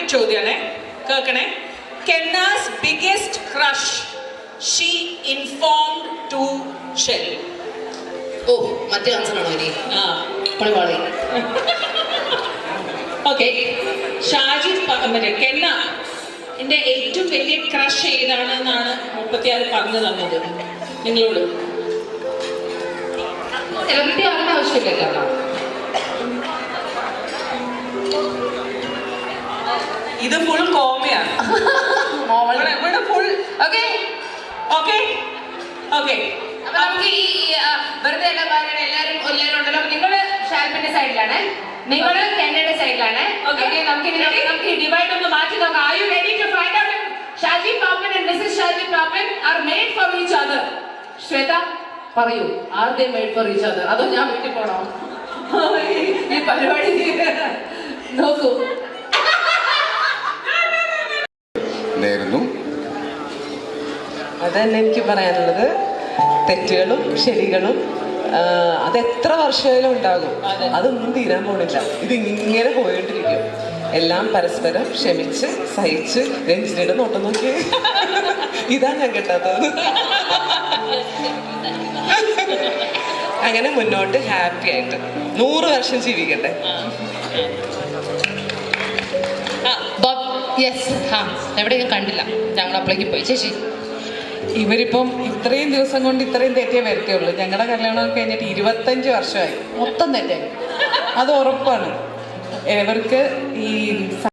ചോദ്യമാണ്, കേൾക്കണേ. Kenna's biggest crush she informed to shell. ഓ, മറ്റേ ആൻസർ ആണോ ഇനി? പണിപാളി. ഓക്കെ, ഷാജി മറ്റേ കെന്ന എൻ്റെ ഏറ്റവും വലിയ ക്രഷ് ഏതാണെന്നാണ് 36 പറഞ്ഞു തന്നത് നിങ്ങളോട്. സെലിബ്രിറ്റി ആകേണ്ട ആവശ്യമില്ലല്ലോ. ഇത് ഫുൾ കോമയാണ്. ഇവിടെ ഫുൾ ഓക്കെ ഓക്കെ ഓക്കെ. അപ്പൊ നമുക്ക് ഈ വെറുതെ എല്ലാവരും ഉണ്ടല്ലോ. നിങ്ങള് ഷാൽബിന്റെ സൈഡിലാണ്, നിങ്ങള് കെന്നയുടെ സൈഡിലാണ്. ഓക്കെ, നമുക്ക് ഡിവൈഡ് ഒന്ന് മാറ്റി നോക്കാം. Are you ready to find out if Shaji Papan and Mrs. Shaji Papan are made for each other? Shweta പറയൂ, are they made for each other? അതോ ഞാൻ വീട്ടിൽ പോണോ? ഈ പരിപാടി നോക്കൂ. അതന്നെ എനിക്ക് പറയാനുള്ളത്. തെറ്റുകളും ശരികളും അതെത്ര വർഷമായാലും ഉണ്ടാകും, അതൊന്നും തീരാൻ പോണില്ല. ഇതിങ്ങനെ പോയിട്ടിരിക്കും. എല്ലാം പരസ്പരം ക്ഷമിച്ച് സഹിച്ച്. രഞ്ജിനിയുടെ നോട്ടം നോക്കി, ഇതാ ഞാൻ കേട്ടാത്തത്. അങ്ങനെ മുന്നോട്ട് ഹാപ്പി ആയിട്ട് 100 വർഷം ജീവിക്കട്ടെ. എവിടെ ഞാൻ കണ്ടില്ല, ഞങ്ങൾ അപ്പളേക്ക് പോയി. ചേച്ചി, ഇവരിപ്പം ഇത്രയും ദിവസം കൊണ്ട് ഇത്രയും തെറ്റേ വരത്തേയുള്ളൂ. ഞങ്ങളുടെ കല്യാണം കഴിഞ്ഞിട്ട് 25 വർഷമായി. മൊത്തം തെറ്റായി, അത് ഉറപ്പാണ്. ഇവർക്ക് ഈ